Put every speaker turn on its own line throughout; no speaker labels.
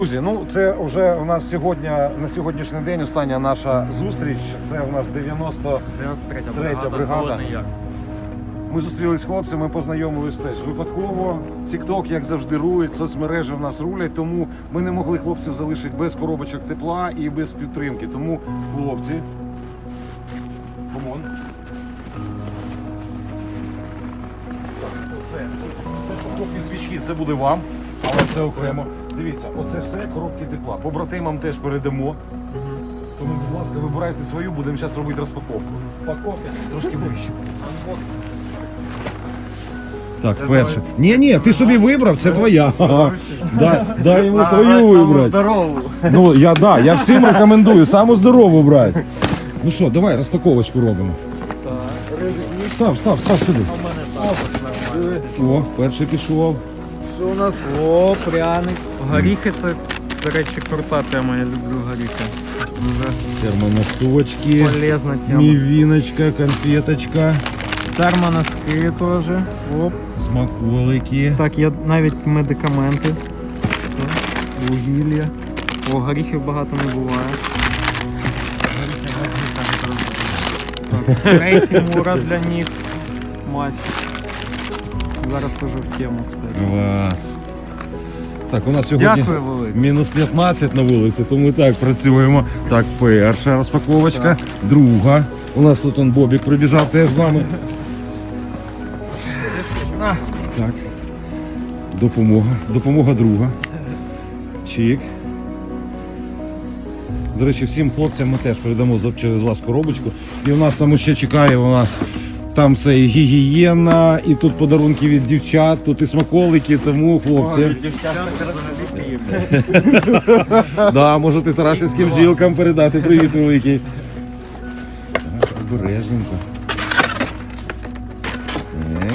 Друзі, ну це вже у нас сьогодні, на сьогоднішній день остання наша зустріч. Це у нас 93-я бригада. Ми зустрілись з хлопцями, познайомились теж випадково. TikTok, як завжди, рулить, соцмережі в нас рулять, тому ми не могли хлопців залишити без коробочок тепла і без підтримки. Тому, хлопці, комон. Це покупні свічки, це буде вам, але це окремо. Дивіться, оце все коробки тепла. Побратимам теж передамо. Тому, будь ласка, вибирайте свою, будемо зараз робити розпаковку. Упаковка трошки вище. Так, перше. Ні, ти собі вибрав, це твоя. Дай йому свою вибрати.
Здорову.
Ну, я всім рекомендую, саму здорову брати. Ну що, давай розпаковочку робимо. Став сюди. О, перший пішов.
Що у нас? О, пряник. Горіхи це, до речі, крута тема, я люблю горіхи. Дуже
Термоносочки,
полезна тема.
мівіночка, конфеточка,
Термоноски теж. Оп.
смаколики.
Так, є навіть медикаменти. Вугілля. О, горіхів багато не буває. Так, спрей Тимура для ніг. Мазь. Зараз теж в тему, кстати.
Клас. Так, у нас сьогодні
Дякую, велике.
мінус 15 на вулиці, то ми так працюємо. Так, перша розпаковочка, друга. У нас тут он Бобік прибіжав теж з нами. Так. Допомога друга. Чик. До речі, всім хлопцям ми теж передамо через вас коробочку. І у нас там ще чекає, у нас там все і гігієна, і тут подарунки від дівчат, тут і смаколики, тому хлопці. Да, можете тарасівським бджілкам передати привіт великий. Так, обережненько. Так.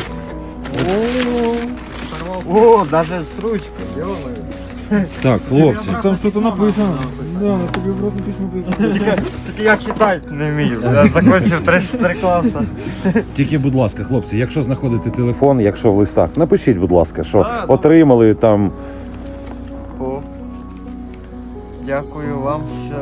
О, даже с ручкой,
Так, хлопці.
там что-то написано. Да, на тобі в рот написано. Тільки я читати не вмію. Я закінчив 3 класи.
Тільки, будь ласка, хлопці, якщо знаходите телефон, якщо в листах, напишіть, будь ласка, що отримали там.
О, дякую вам, що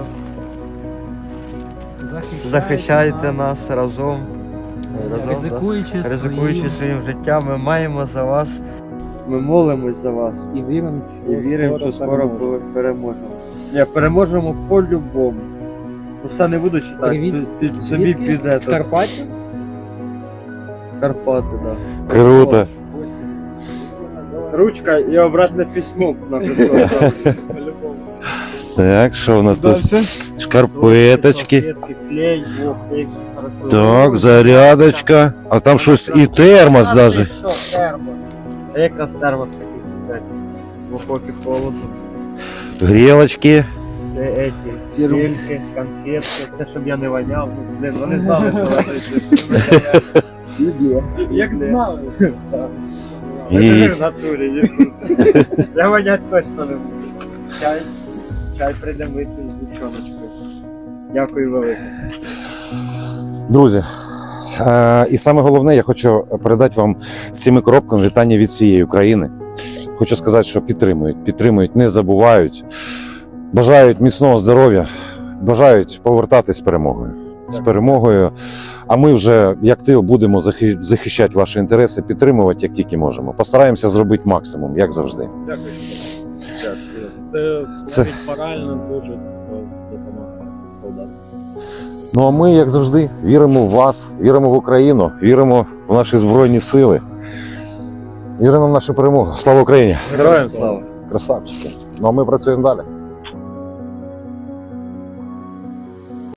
захищаєте нас разом. Ризикуючи своїм життям, ми маємо за вас, ми молимось за вас
І віримо,
що скоро переможемо. Ні, переможемо по-любому. Ну, все не буду читати,
Привіт,
під собі піде.
З Карпаття?
Карпати, так.
Круто.
Ручка і обратне письмо написано.
Так, що у нас тут? Шкарпеточки.
Клей,
Так, зарядочка. А там щось і термос навіть.
Що, термос? А якраз термос такий, блядь, в окопі холодно.
Грілочки.
Це эти стільки, конфетки, це щоб я не воняв. Ну, блин, вони знали, що це. Як знали.
І-
Це в натурі, ні. Я вонять точно не буду. Чай прийде мити з дівчоночкою. Дякую велике.
Друзі, і саме головне, я хочу передати вам з цими коробками вітання від всієї України. Хочу сказати, що підтримують, не забувають, бажають міцного здоров'я, бажають повертатись з перемогою. З перемогою. А ми вже, як тил, будемо захищати ваші інтереси, підтримувати, як тільки можемо. Постараємося зробити максимум, як завжди.
Дякую. Це навіть морально дуже допомагає солдатам.
Ну а ми, як завжди, віримо в вас, віримо в Україну, віримо в наші Збройні Сили. Віримо в нашу перемогу. Слава Україні!
Героям слава!
Красавчики! Ну а ми працюємо далі.